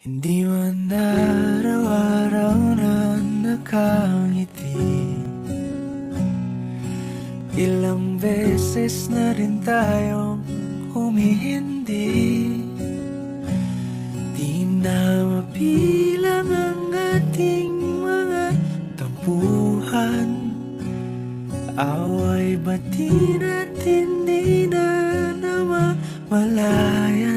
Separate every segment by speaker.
Speaker 1: Hindi man araw-araw na nakangiti, ilang beses na rin tayong humihindi. Di na mabilang ang ating mga tampuhan, away bati natin di na namamalayan.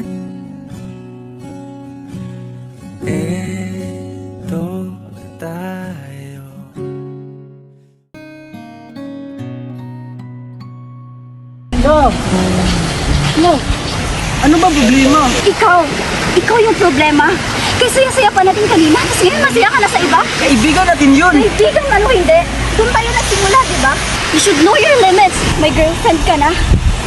Speaker 1: Eto tayo.
Speaker 2: Love! Love! Ano ba problema?
Speaker 3: Ikaw yung problema. Kasi yung saya pa natin kanina, tapos ngayon masaya ka na sa iba.
Speaker 2: Kaibigan natin yun!
Speaker 3: Kaibigan man o hindi, doon tayo nagsimula, di ba? You should know your limits. May girlfriend ka na.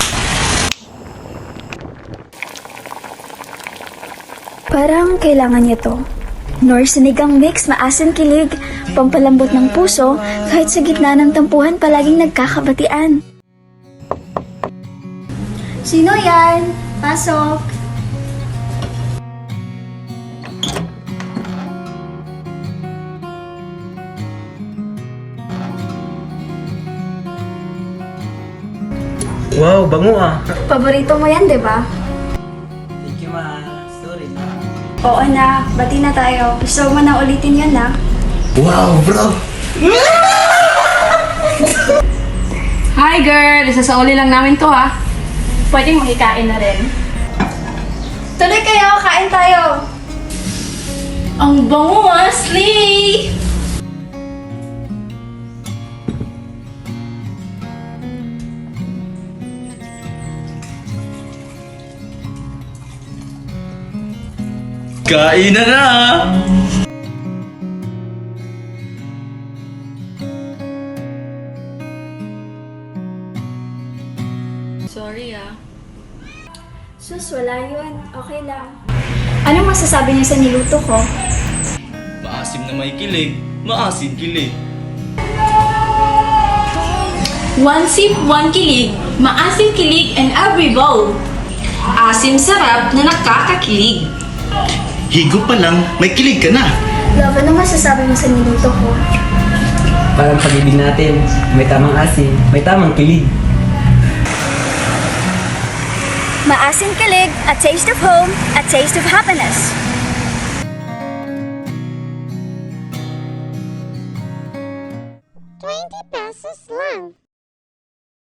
Speaker 3: Parang kailangan niya to. Nor sinigang mix, maasin kilig, pampalambot ng puso, kahit sa gitna ng tampuhan palaging nagkakabatian. Sino yan? Pasok!
Speaker 2: Wow, bango ah!
Speaker 3: Paborito mo yan, di ba?
Speaker 2: Thank you, ma. Sorry.
Speaker 3: Oo na, bati na tayo. Gusto mo na ulitin yun na.
Speaker 2: Wow, bro!
Speaker 4: Hi girl! Isasauli lang namin to ha. Pwedeng makikain na rin.
Speaker 3: Tuloy kayo, kain tayo!
Speaker 4: Ang bango ah, Slay!
Speaker 1: Kain na na!
Speaker 4: Sorry ah.
Speaker 3: Sus, wala yun. Okay lang. Anong masasabi niyo sa niluto ko?
Speaker 1: Maasim na may kilig, maasim kilig.
Speaker 4: One sip, one kilig. Maasim kilig and every bowl. Asim sarap na nakakakilig.
Speaker 5: Higop pa lang, may kilig ka na.
Speaker 3: Love, anong masasabi mo sa niluto ko?
Speaker 2: Parang pag-ibig natin, may tamang asin, may tamang kilig.
Speaker 3: Maasim kilig, a taste of home, a taste of happiness.